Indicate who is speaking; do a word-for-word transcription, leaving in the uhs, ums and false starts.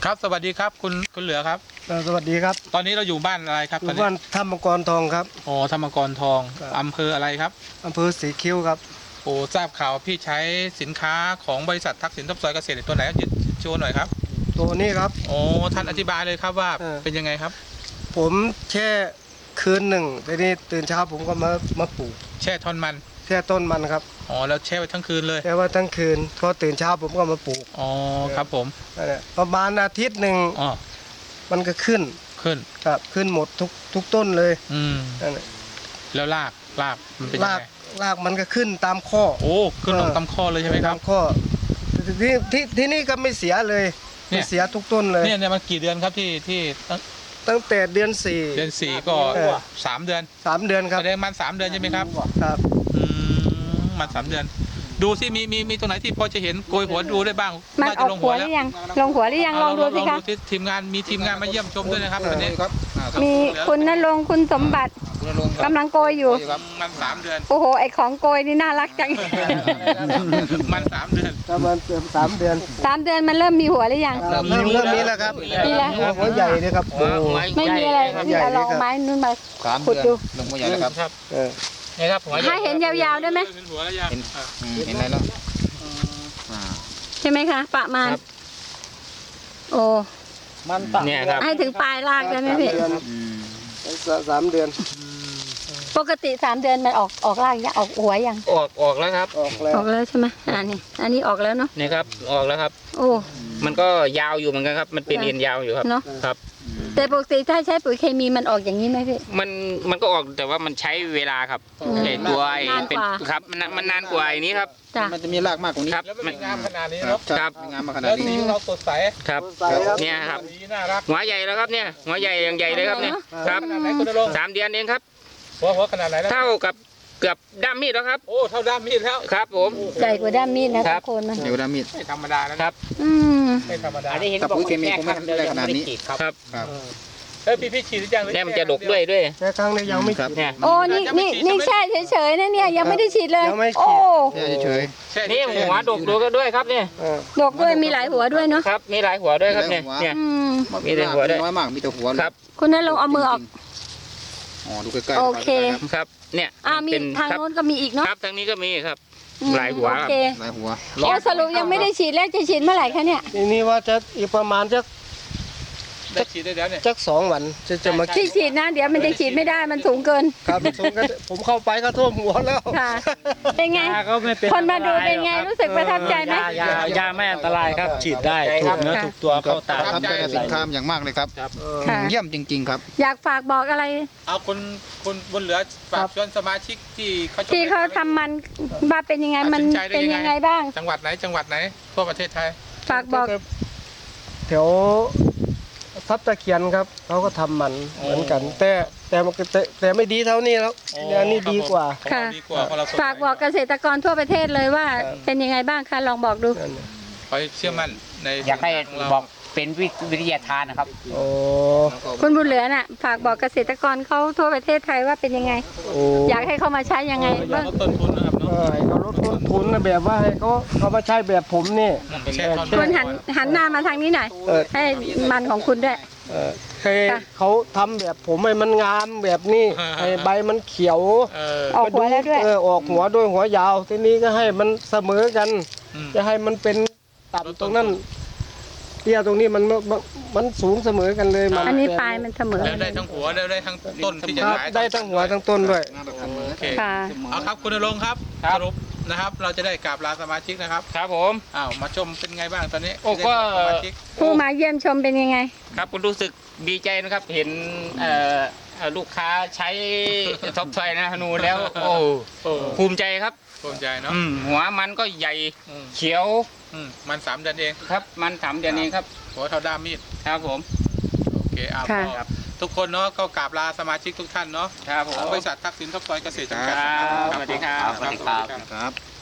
Speaker 1: ครับสวัสดีครับคุณคุณเหลือครับ
Speaker 2: สวัสดีครับ
Speaker 1: ตอนนี้เราอยู่บ้านอะไรครับ
Speaker 2: อยู่บ้านธรรมกรทองครับ
Speaker 1: โอ้ธรรมกรทองอำเภออะไรครับ
Speaker 2: อำเภอสีคิ้วครับ
Speaker 1: โอ้ทราบข่าวพี่ใช้สินค้าของบริษัททักษิณทบซอยเกษตรตัวไหนยืดโชว์หน่อยครับ
Speaker 2: ตัวนี้ครับ
Speaker 1: โอ้ท่านอธิบายเลยครับว่าเป็นยังไงครับ
Speaker 2: ผมแช่คืนหนึ่งทีนี้ตื่นเช้าผมก็มามาปลูก
Speaker 1: แช่ท่อนมัน
Speaker 2: แช่ต้นมันครับ
Speaker 1: อ๋อแล้วแช่ไว้ทั้งคืนเลย
Speaker 2: แช่ว่าทั้งคืนพอตื่นเช้าผมก็มาปลูก
Speaker 1: อ๋อครับผม
Speaker 2: ประมาณอาทิตย์หนึ่ง
Speaker 1: อ๋อ
Speaker 2: มันก็ขึ้น
Speaker 1: ขึ้น
Speaker 2: ครับขึ้นหมดทุกทุกต้นเลย
Speaker 1: อืมแล้วรากรากมันเป็นยังไง
Speaker 2: รากมันก็ขึ้นตามข้อ
Speaker 1: โอ้ขึ้นลงตามข้อเลยใช่ไหมครับ
Speaker 2: ตามข้อที่ที่ที่นี่ก็ไม่เสียเลยไม่เสียทุกต้นเลย
Speaker 1: เนี่ยเนี่ยมันกี่เดือนครับที่ที่
Speaker 2: ตั้งแต่เดือนสี่
Speaker 1: เดือนสี่ก็สามเดือน
Speaker 2: สามเดือนครับ
Speaker 1: แสดงมันสามเดือนใช่ไหมครับ
Speaker 2: ครับ
Speaker 1: อืมมันสามเดือนดูสิมีมีมีตรงไหนที่พอจะเห็นโกยหัวดูได้บ้าง
Speaker 3: มันออกหัวหรือยังลงหัวหรือยังลองดูสิคะ
Speaker 1: ทีมงานมีทีมงานมาเยี่ยมชมด้วยนะครับวันนี้
Speaker 3: มีคุณณรงค์คุณสมบัติกำลังโกยอยู่
Speaker 1: มันสามเดือน
Speaker 3: โอ้โหไอของโกยนี่น่ารักจัง
Speaker 1: มันสามเดือน
Speaker 2: ประมาณสามเดือน
Speaker 3: สามเดือนมันเริ่มมีหัวหรือยัง
Speaker 2: เริ่มเริ่มมีแล้วครับ
Speaker 3: มีแล้ว
Speaker 2: หัวใหญ่เลยครับ
Speaker 3: ไม่มีอะไรที่เอาลองไม้นู่นมาขุดดู
Speaker 4: ลงหัวใหญ่แล้วครับ
Speaker 1: นี่ครับ
Speaker 3: ให้เห็นยาวๆได้ไหม
Speaker 4: เห็นอะไรแล้ว
Speaker 3: ใช่ไหมคะประมาณโอ้
Speaker 2: มันตัด
Speaker 1: เนี่ยครับ
Speaker 3: ให้ถึงปลายรากได้ไหมพี่
Speaker 2: สามเดือน
Speaker 3: ปกติสามเดือนมันออกออกรากยังออกหัวยัง
Speaker 1: ออกออกแล้วครับ
Speaker 2: ออกแล้ว
Speaker 3: ออกแล้วใช่ไหมอันนี้อันนี้ออกแล้วเนาะ
Speaker 1: นี่ครับออกแล้วครับ
Speaker 3: โอ้
Speaker 1: มันก็ยาวอยู่เหมือนกันครับมันเป็นเอ็นยาวอยู่ครับ
Speaker 3: เนาะ
Speaker 1: ครับ
Speaker 3: แต่ปกติถ้าใช้ปุ๋ยเคมีมันออกอย่างนี้ไหมพี่
Speaker 1: มันมันก็ออกแต่ว่ามันใช้เวลาครับไอ้ตัวไอ้เป็นครับมันมันนานกว่าไอ้นี้ครับ
Speaker 4: มันจะมีรากมากกว่านี้
Speaker 1: ครับมันงามขนาดนี้เนาะ
Speaker 4: ครับงามมาขนาดนี้
Speaker 1: เราสดใส
Speaker 4: ครับ
Speaker 1: เนี่ยครับหัวใหญ่แล้วครับเนี่ยหัวใหญ่อย่างใหญ่เลยครับเนี่ยครับสามเดือนเองครับ
Speaker 4: หัวหัวขนาดไหน
Speaker 1: เท่ากับเกือบด้ามมีดแล้วครับ
Speaker 4: โอ้เท่าด้ามมีดแล้ว
Speaker 1: ครับผม
Speaker 3: ใหญ่กว่าด้ามมีดนะทุกคนมัน
Speaker 4: ใหญ่กว่าด้ามมีด
Speaker 1: ไม่ธรรมดาแล้ว
Speaker 4: ครับ
Speaker 3: อืม
Speaker 1: ไม่ธรรมดา
Speaker 4: กับปุ๋ยเคมีคงไม่ได้ขนาดนี้
Speaker 1: ครับ
Speaker 4: เฮ้ย
Speaker 1: พี่พี่ฉีดหรือยังเนี่ยมันจะดกด้วยด้วย
Speaker 2: แต่ครั้งนี้ยังไม่ฉีด
Speaker 3: โอ้นี่นี่นี่แช่เฉยๆนะเนี่ยยังไม่ได้ฉีดเลยโอ้
Speaker 4: เฉย
Speaker 1: ๆนี่หัวดกดกด้วยครับเนี่ย
Speaker 3: ดกด้วยมีหลายหัวด้วยเนาะ
Speaker 1: ครับมีหลายหัวด้วยครับเนี่ยเนี่ย
Speaker 4: มีแต่หัวด้วยน้อยมากมีแต่หัว
Speaker 1: ครับ
Speaker 3: คุณนั่นลงเอามือออก
Speaker 4: อ๋อดูใกล้
Speaker 3: ๆโอเค
Speaker 1: ครับเนี่ย
Speaker 3: อ่ามีทางโน้นก็มีอีกเนาะ
Speaker 1: ครับทางนี้ก็มีครับหลายหัวครับ
Speaker 4: หลายหัว
Speaker 3: โอ้สรุปยังไม่ได้ฉีดแล้วจะฉีดเมื่อไหร่คะเนี่ย
Speaker 2: นี่ว่าจะอีกประมาณจะ
Speaker 1: ได้ฉีดได้แล้วเนี่ย
Speaker 2: จักสองวันจะจะมา
Speaker 3: ที่ฉีดนะเดี๋ยวมันจะฉีดไม่ได้มันสูงเกิน
Speaker 2: ครับสูงกันผมเข้าไปก็ท่วมหัวแล้ว
Speaker 3: ค่ะเป็นไงคนมาดูเป็นไงรู้สึกประทับใจไหม
Speaker 5: ยายาไม่อันตรายครับฉีดได้ถูกเนื้อถูกตัวเข้าตา
Speaker 4: ครับเป็นสินค้าอย่างมากเลยครับเยี่ยมจริงๆครับ
Speaker 3: อยากฝากบอกอะไร
Speaker 1: เอาคุณคุณบนเหลือฝากชวนสมาชิกที่เขา
Speaker 3: ที่เขาทำมันว่าเป็นยังไงมันเป็นยังไงบ้าง
Speaker 1: จังหวัดไหนจังหวัดไหนทั่วประเทศไทย
Speaker 3: ฝากบอก
Speaker 2: แถวทับตะเคียนครับเขาก็ทำมันเหมือนกันแต่แต่แต่แต่ไม่ดีเท่านี้แล้วเนี่ยนี่ดีกว่า
Speaker 3: ค่ะฝากบอกเกษตรกรทั่วประเทศเลยว่าเป็นยังไงบ้างคะลองบอกดู
Speaker 1: คอยเชื่อมั่นใน
Speaker 5: อยากให้บอกเป็นวิทยาทานนะครับ
Speaker 2: โอ้
Speaker 3: คุณบุญเหลือน่ะฝากบอกเกษตรกรเขาทั่วประเทศไทยว่าเป็นยังไงอยากให้เขามาใช้ยังไงบ้าง
Speaker 1: ลดต้นทุนนะครับ
Speaker 2: เออเขาลดต้นทุนนะแบบว่าให้เขาเขามาใช้แบบผมนี่
Speaker 3: คุณหันหันหน้ามาทางนี้หน่อยให้มันของคุณด้วย
Speaker 2: ให้เขาทำแบบผมให้มันงามแบบนี้ให้ใบมันเขียว
Speaker 3: ออกหัวแล้วด้วย
Speaker 2: เออออกหัวด้วยหัวยาวทีนี้ก็ให้มันเสมอกันจะให้มันเป็นต่ำตรงนั้นเตี้ยตรงนี้มันมันสูงเสมอกันเลย
Speaker 3: อันนี้ปลายมันเสมอ
Speaker 1: ได้ทั้งหัวได้ทั้งต้นที่จะ
Speaker 2: ได้ทั้งหัวทั้งต้นด้วย
Speaker 1: โอเคเอาครับคุณณรงค์ครับสรุปนะครับเราจะได้กราบลาสมาชิกนะครับ
Speaker 5: ครับผม
Speaker 1: อ้าวมาชมเป็นไงบ้างตอนนี้
Speaker 5: โอ้ก็
Speaker 3: ผู้มาเยี่ยมชมเป็นยังไง
Speaker 5: ครับคุณรู้สึกดีใจนะครับเห็นลูกค้าใช้ท็อปไทยนะนูแล้วโอ้ภูมิใจครับ
Speaker 1: ภูมิใจเนาะ
Speaker 5: หัวมันก็ใหญ่เขียว
Speaker 1: มันสามเดือนเอง
Speaker 5: ครับมันสามเดือนเองครับ
Speaker 1: หัวเท่าด้ามมีด
Speaker 5: ครับผม
Speaker 1: โอเคอ่าทุกคนเนาะก็กราบลาสมาชิกทุกท่านเนาะ
Speaker 5: ครับผม
Speaker 1: บริษัททักษิณทบซอยเกษตรจำกัด
Speaker 5: สวัสดีครับ
Speaker 4: ครับ